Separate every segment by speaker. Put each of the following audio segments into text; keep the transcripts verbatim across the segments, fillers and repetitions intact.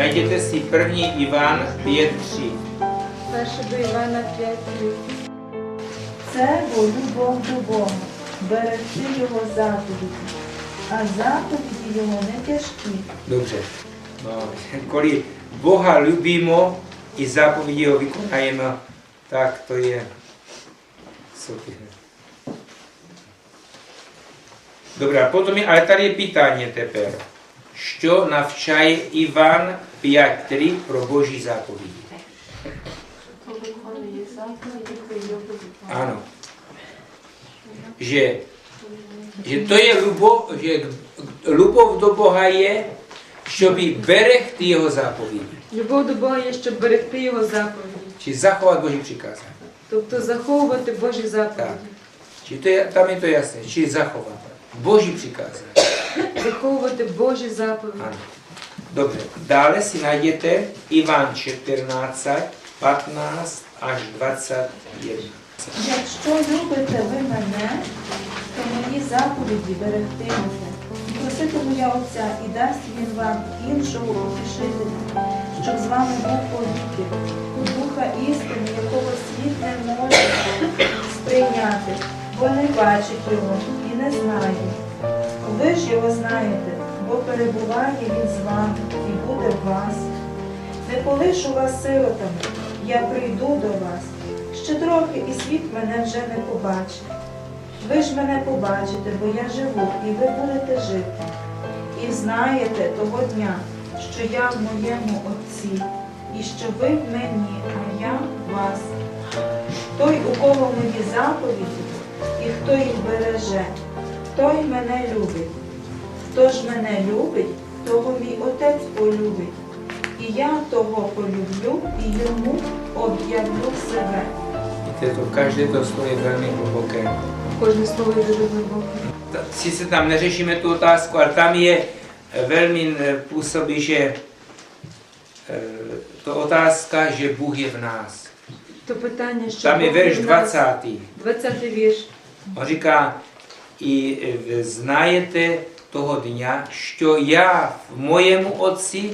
Speaker 1: Najděte si první Ivan pět tři.
Speaker 2: Перше до Івана п'ять три.
Speaker 3: Це бо любов до Бога, берегти Його заповіді, а заповіді Його не тяжкі.
Speaker 1: Dobře. No, kvůli Boha ljubíme i zápovědi ho vykonáme, tak to je super. Dobrá, potom je, ale tady je pytání teper. Što navčaje Ivan pět tři pro Boží zápovědi? Ano. Že, že to je любов, že любов до Бога є, щоб берегти Його заповіді.
Speaker 2: Любов до Бога є, щоб берегти Його заповіді.
Speaker 1: Чи заховати Божі прикази.
Speaker 2: Тобто заховувати Божі заповіді.
Speaker 1: Так. Чи то є, там є то ясне, чи заховати Божі прикази.
Speaker 2: Заховувати Божі заповіді.
Speaker 1: Ano. Dobře. Dále si najděte Ivan čtrnáct, patnáct až dvacet jedna.
Speaker 3: Якщо любите ви мене, то мої заповіді берегтимете. Проситиму я Отця, і дасть Він вам іншого утішителя, щоб з вами був повіки, Духа істини, якого світ не може сприйняти, бо не бачить його і не знає. Ви ж його знаєте, бо перебуває він з вами і буде в вас. Не полишу вас сиротами, я прийду до вас. Ще трохи, і світ мене вже не побачить. Ви ж мене побачите, бо я живу, і ви будете жити. І знаєте того дня, що я в моєму Отці, і що ви в мені, а я в вас. Той, у кого мої заповіді, і хто їх береже, той мене любить. Хто ж мене любить, того мій Отець полюбить. І я того полюблю, і йому об'явлю себе.
Speaker 1: Víte, to každé to slovo je velmi hluboké.
Speaker 2: Кожне слово є дуже глибоке.
Speaker 1: Ta- Sice tam neřešíme tu otázku, ale tam je eh, velmi eh, působí, že eh, to otázka, že Bůh je v nás.
Speaker 2: То питання, що
Speaker 1: Tam je
Speaker 2: Бог
Speaker 1: verš
Speaker 2: в нас.
Speaker 1: dvacátý.
Speaker 2: двадцятий вірш.
Speaker 1: On říká, i eh, знаєте toho dňa, що я в моєму Otci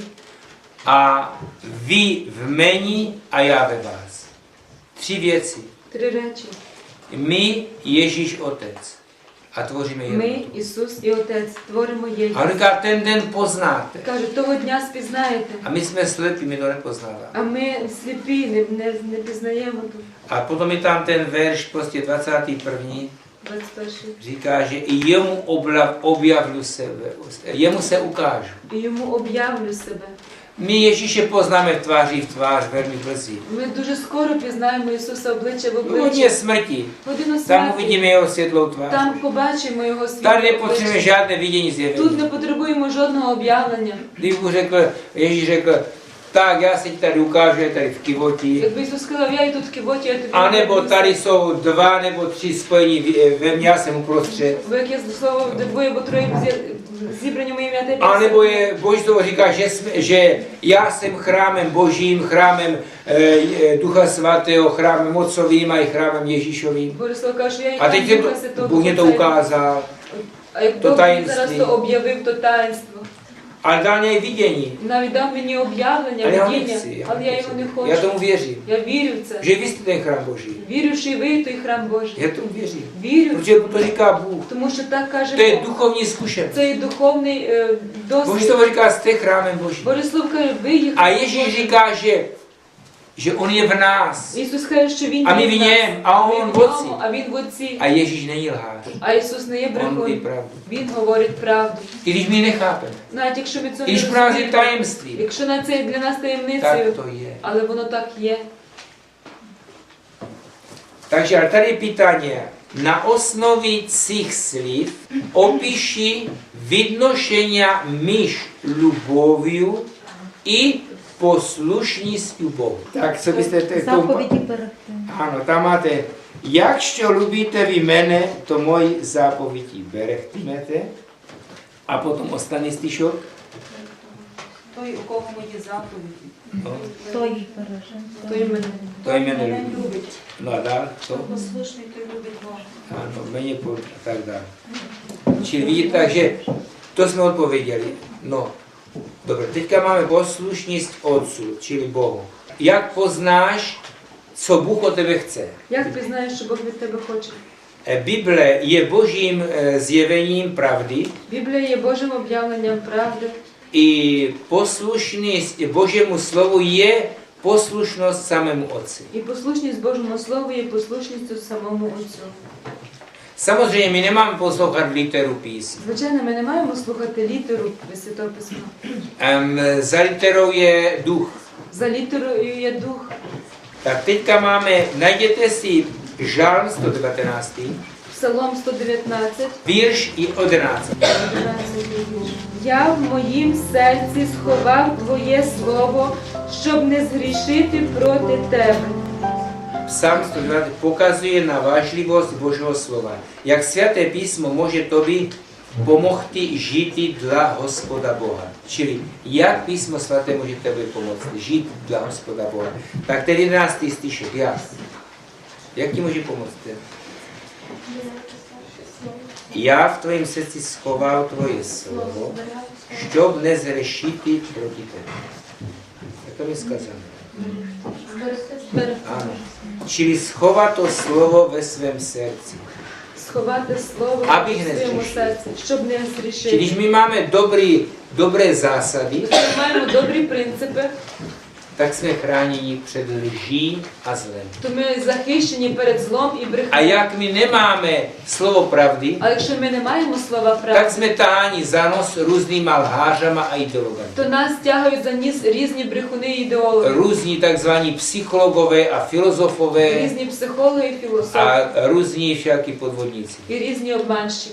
Speaker 1: a vy v meni a já ve vás. Tři věci.
Speaker 2: Три речі.
Speaker 1: My, Ježíš, Otec. A tvoříme jedno.
Speaker 2: Ми, Ісус і Отець, творимо
Speaker 1: A on
Speaker 2: єдність.
Speaker 1: říká, ten den poznáte.
Speaker 2: Каже, того дня спізнаєте.
Speaker 1: A my jsme slepí, my to nepoznáváme.
Speaker 2: А ми сліпі, не, не, не пізнаємо тут.
Speaker 1: A potom je tam ten verš, prostě dvacátý první,
Speaker 2: двадцять перший.
Speaker 1: říká, že i jemu obla- objavlu sebe, jemu se ukážu.
Speaker 2: І йому об'явлю себе.
Speaker 1: My Ježíše poznáme tváří v tvář velmi brzy.
Speaker 2: Ми дуже скоро пізнаємо Ісуса обличчя в
Speaker 1: V
Speaker 2: обличчя.
Speaker 1: hodině smrti,
Speaker 2: Годину
Speaker 1: tam
Speaker 2: смерті.
Speaker 1: uvidíme jeho světlou tvář.
Speaker 2: Там побачимо Його
Speaker 1: Tady
Speaker 2: світло
Speaker 1: nepotřebujeme
Speaker 2: обличчя.
Speaker 1: žádné vidění
Speaker 2: Тут
Speaker 1: zjevení.
Speaker 2: не потребуємо жодного об'явлення.
Speaker 1: Když Bůh řekl, Ježíš řekl, tak já se ti tady ukážu, je tady v Kivoti.
Speaker 2: Якби Ісус сказав, я і тут в кивоті, я тобі
Speaker 1: A nebo
Speaker 2: покажу.
Speaker 1: tady jsou dva nebo tři spojení v- ve mně, já jsem uprostřed.
Speaker 2: Бо як я слово двоє або троє зі- зібрані в моє ім'я, ти
Speaker 1: A nebo je, Boží slovo říká, že, jsme, že já jsem chrámem Božím, chrámem e, Ducha Svatého, chrámem Otcovým a i chrámem Ježíšovým.
Speaker 2: Боже слово каже, що я і
Speaker 1: A teď
Speaker 2: храм
Speaker 1: jsem
Speaker 2: Духа
Speaker 1: to,
Speaker 2: Святого.
Speaker 1: Bůh mě to
Speaker 2: Отця.
Speaker 1: ukázal.
Speaker 2: А як
Speaker 1: то
Speaker 2: Бог мені зараз
Speaker 1: таїнстві.
Speaker 2: то об'явив, то таїнство.
Speaker 1: Ale dal mě i vidění.
Speaker 2: Навіть дав мені об'явлення,
Speaker 1: Ale já ho
Speaker 2: видіння,
Speaker 1: nechci. Já,
Speaker 2: але я його не хочу.
Speaker 1: já tomu věřím.
Speaker 2: Я вірю в це.
Speaker 1: Že vy jste ten chrám Boží.
Speaker 2: Вірю, що і ви той храм Божий.
Speaker 1: Já tomu věřím.
Speaker 2: Вірю,
Speaker 1: Protože to říká Bůh.
Speaker 2: тому що так каже
Speaker 1: To je
Speaker 2: Бог.
Speaker 1: duchovní zkušenost.
Speaker 2: Це і духовний е,
Speaker 1: Boží
Speaker 2: досвід.
Speaker 1: slovo říká, jste chrámem Božím.
Speaker 2: Боже слово каже, ви їх.
Speaker 1: A Ježíš říká, že, že on je v nás.
Speaker 2: Ісус каже, що він
Speaker 1: А ми
Speaker 2: є
Speaker 1: в
Speaker 2: в нас.
Speaker 1: нєм, а
Speaker 2: Ми
Speaker 1: он
Speaker 2: в
Speaker 1: в Отці.
Speaker 2: ньому, а він в Отці.
Speaker 1: A Ježíš není lhář.
Speaker 2: А Ісус не є
Speaker 1: On mluví
Speaker 2: брехун.
Speaker 1: pravdu.
Speaker 2: Він говорить правду.
Speaker 1: I když my nechápeme.
Speaker 2: Навіть якщо ми цього
Speaker 1: I
Speaker 2: не
Speaker 1: když pro nás je
Speaker 2: розуміємо,
Speaker 1: tajemství,
Speaker 2: якщо на це для нас
Speaker 1: tak
Speaker 2: таємницею,
Speaker 1: to je.
Speaker 2: але воно так є.
Speaker 1: Takže ale tady je pytanie. Na osnovi cích sliv opíši vidnošenia myš ľuboviu i poslušnістю Bohu. Tak, co byste te,
Speaker 3: Заповіді берегти.
Speaker 1: Ano, tam máte, jakщо любите ви мене, то мої заповіді берегтимете. A potom ostatní stišok.
Speaker 2: Той, у кого мої заповіді,
Speaker 1: No,
Speaker 3: Хто їх береже?
Speaker 2: той мене.
Speaker 1: to je jméno
Speaker 3: Мене
Speaker 1: ľudí.
Speaker 3: любить.
Speaker 1: No a dál,
Speaker 3: Хто
Speaker 1: to?
Speaker 3: послушний, той любить Бога.
Speaker 1: Ano, méně po, a tak dále. Čili vidíte, takže to jsme odpověděli. No, Dobře, teďka máme poslušnost Otcu, čili Bohu. Jak poznáš, co Bůh od tebe chce?
Speaker 2: Як ти знаєш, що Бог від тебе хоче?
Speaker 1: E, Bible je božím e, zjevením pravdy
Speaker 2: Біблія є Божим об'явленням правди.
Speaker 1: i poslušnost Božímu slovu je poslušnost samému Otci.
Speaker 2: І послушність Божому Слову є послушністю самому Отцю.
Speaker 1: Samozřejmě my nemáme poslouchat literu písm.
Speaker 2: Звичайно, ми не маємо слухати літеру Святого Письма.
Speaker 1: Um, za literou je duch.
Speaker 2: За літерою є дух.
Speaker 1: Tak teďka máme, najděte si Žalm sto devatenáct,
Speaker 2: Псалом сто дев'ятнадцять,
Speaker 1: вірш і одинадцять.
Speaker 2: одинадцятий вірш. Я в моїм серці сховав Твоє Слово, щоб не згрішити проти Тебе.
Speaker 1: Psalm sto devatenáct pokazuje na vážlivost Božího slova. Jak svaté písmo může tobě pomoci žít dla Hospoda Boha. Čili jak písmo svaté může tebe pomoct žít dla Hospoda Boha. Tak ten jedenáctý stišek, jak? Jak ti může pomoct? Já v tvém srdci schoval tvoje slovo, щоб не згрішити проти тебе. Jak to mi сказано? Ano. Čili schovat to slovo ve svém srdci.
Speaker 2: Сховати Слово
Speaker 1: Abych
Speaker 2: в своєму
Speaker 1: nezhřešil.
Speaker 2: серці, щоб не
Speaker 1: Čili
Speaker 2: згрішити.
Speaker 1: když my máme dobrý, dobré zásady,
Speaker 2: Якщо ми маємо добрі принципи,
Speaker 1: tak jsme chráněni před lží a zlem.
Speaker 2: то ми захищені перед злом і
Speaker 1: A
Speaker 2: брехнею.
Speaker 1: jak my nemáme slovo pravdy,
Speaker 2: А якщо ми не маємо слова
Speaker 1: tak
Speaker 2: правди,
Speaker 1: jsme taháni za nos různýma lhářama a ideologami.
Speaker 2: то нас тягають за ніс різні брехуни і ідеологи,
Speaker 1: Různí takzvaní psychologové a filozofové
Speaker 2: різні психологи і філософи,
Speaker 1: a různí všaký podvodníci,
Speaker 2: і різні обманщики,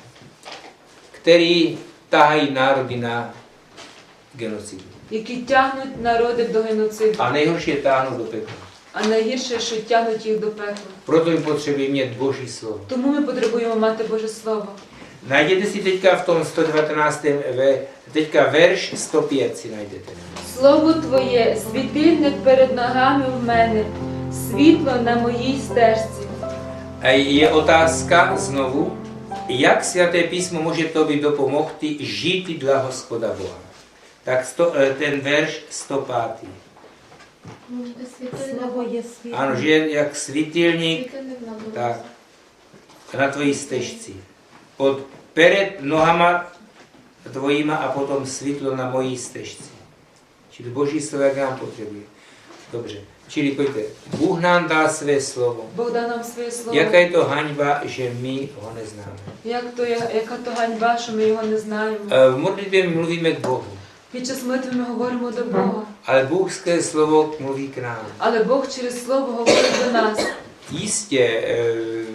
Speaker 1: kteří tahají národy na genocidu.
Speaker 2: які тягнуть народи до геноциду.
Speaker 1: A nejhorší je táhnout do pekla.
Speaker 2: А найгірше, що тягнуть їх до пекла.
Speaker 1: Proto my potřebujeme mít Boží slovo.
Speaker 2: Тому ми потребуємо мати Боже Слово.
Speaker 1: Najděte si teďka v tom sto devatenáctém, ve, teďka verš sto pět si najdete.
Speaker 2: Слово Твоє, світильник перед ногами в мене, світло на моїй стежці.
Speaker 1: A je otázka znovu, jak svaté písmo může tobě dopomohti žít dla Hospoda Boha. Tak sto, ten verš sto pět.
Speaker 3: Слово є світло.
Speaker 1: Ano, že je jak svítilník, tak na tvojí stežci. Pod před nohama tvojima a potom světlo na mojí stežci. Čili Boží slovo, jak nám potřebuje. Dobře. Čili pojďte, Bůh nám dá své slovo.
Speaker 2: Бог дав нам своє Слово.
Speaker 1: Jaká je to haňba, že my ho neznáme.
Speaker 2: Як то, я- яка то ганьба, що ми його не знаємо.
Speaker 1: E, V modlitbě mluvíme k Bohu,
Speaker 2: Під час молитви ми говоримо до Бога.
Speaker 1: ale Bůh skrze slovo mluví k nám.
Speaker 2: Але Бог через Слово говорить до нас.
Speaker 1: Jistě, e,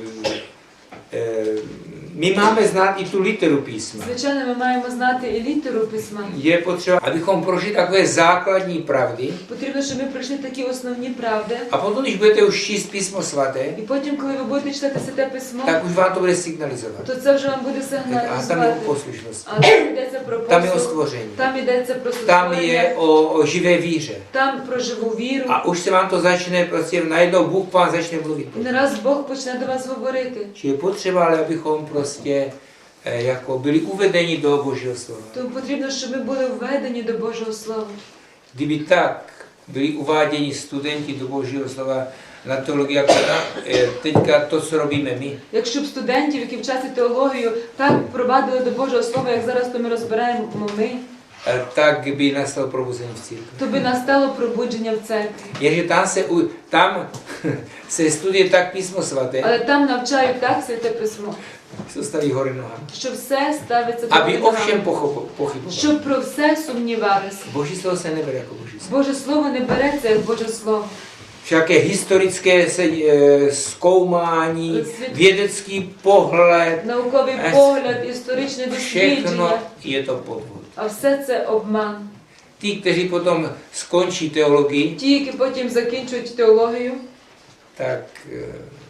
Speaker 1: e, my máme znát i tu literu písma.
Speaker 2: Звичайно, ми маємо знати і літеру Письма.
Speaker 1: Je potřeba, abychom prošli takové základní pravdy
Speaker 2: Потрібно, щоб ми пройшли такі основні правди.
Speaker 1: a potom, když budete už číst písmo svaté,
Speaker 2: І потім, коли ви будете читати Святе Письмо,
Speaker 1: tak už vám to bude signalizovat.
Speaker 2: то це вже вам буде
Speaker 1: A tam je
Speaker 2: сигналізувати.
Speaker 1: o poslušnost,
Speaker 2: А там йдеться про
Speaker 1: tam je o
Speaker 2: послуг,
Speaker 1: stvoření,
Speaker 2: там йдеться про
Speaker 1: tam je
Speaker 2: створення,
Speaker 1: o, o živé víře.
Speaker 2: там про живу віру.
Speaker 1: A už se vám to začne, prostě najednou Bůh vám začne mluvit.
Speaker 2: І не раз Бог почне до вас говорити.
Speaker 1: Či je potřeba, ale abychom prostě eh, jako byli uvedeni do Božího slova.
Speaker 2: Тому потрібно, щоб ми були введені до Божого Слова.
Speaker 1: Kdyby tak byli uváděni studenti do Božího slova na teologii, jako na, eh, teďka to, co robíme my,
Speaker 2: Якщо б студентів, які вчаться теологію, так провадили до Божого Слова, як зараз то ми розбираємо ми,
Speaker 1: eh, tak by nastalo probuzení v církvi.
Speaker 2: то би настало пробудження в церкві.
Speaker 1: Jenže tam se, u- tam se studuje tak písmo svaté,
Speaker 2: Але там навчають так Святе Письмо,
Speaker 1: co staví hory nohama.
Speaker 2: що все ставиться до
Speaker 1: Aby o
Speaker 2: Бога,
Speaker 1: všem pochopo- pochybovali.
Speaker 2: щоб про все сумнівалися.
Speaker 1: Boží slovo se nebere jako Boží slovo.
Speaker 2: Боже Слово не береться як Боже Слово.
Speaker 1: Všaké historické se, e, zkoumání, vědecký pohled,
Speaker 2: Науковий
Speaker 1: Ес-
Speaker 2: погляд, історичне
Speaker 1: všechno
Speaker 2: дослідження,
Speaker 1: je to podvod.
Speaker 2: а все це обман.
Speaker 1: Ti, kteří potom skončí teologii,
Speaker 2: Ті, які потім закінчують теологію,
Speaker 1: tak e,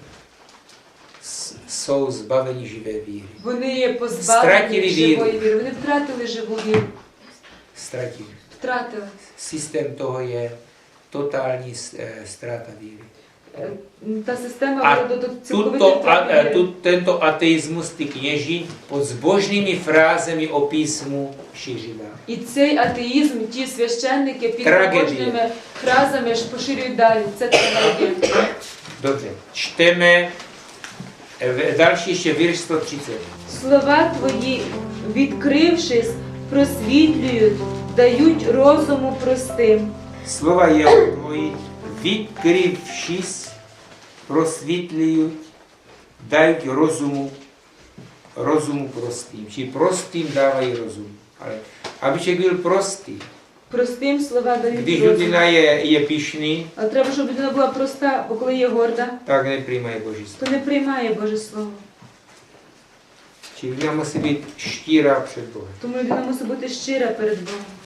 Speaker 1: s- jsou zbaveni živé víry.
Speaker 2: вони є
Speaker 1: Стратили
Speaker 2: позбавлені
Speaker 1: віру.
Speaker 2: живої віри. Вони втратили живу віру.
Speaker 1: Ztratili.
Speaker 2: Втратили.
Speaker 1: Systém toho je totální s- e, ztráta víry.
Speaker 2: е, та система
Speaker 1: А
Speaker 2: була до цілковитої
Speaker 1: Tuto, a,
Speaker 2: втрати
Speaker 1: e,
Speaker 2: віри.
Speaker 1: tu, tento ateismus ty kněži pod zbožnými frázemi o písmu šířila.
Speaker 2: І цей атеїзм ті священники під
Speaker 1: Трагедія.
Speaker 2: побожними фразами ж поширюють далі. Це трагедія.
Speaker 1: Dobře, čteme e, v- další ještě virš sto třicet.
Speaker 2: Слова твої, відкрившись, просвітлюють, дають розуму простим.
Speaker 1: Slova jeho tvoji, vykryvšis, prosvítliють, дають розуму, розуму простým. Či prostým dávají rozum. Ale aby člověk byl prostý,
Speaker 2: Простим слова дають
Speaker 1: když
Speaker 2: розум.
Speaker 1: людина je, je pišný,
Speaker 2: А треба, щоб людина була проста, бо коли є горда,
Speaker 1: tak nepřijímají Boží slovo.
Speaker 2: то не приймає Боже Слово.
Speaker 1: Či людина musí být štíra před Bohem.
Speaker 2: Тому людина мусить бути щира перед Богом.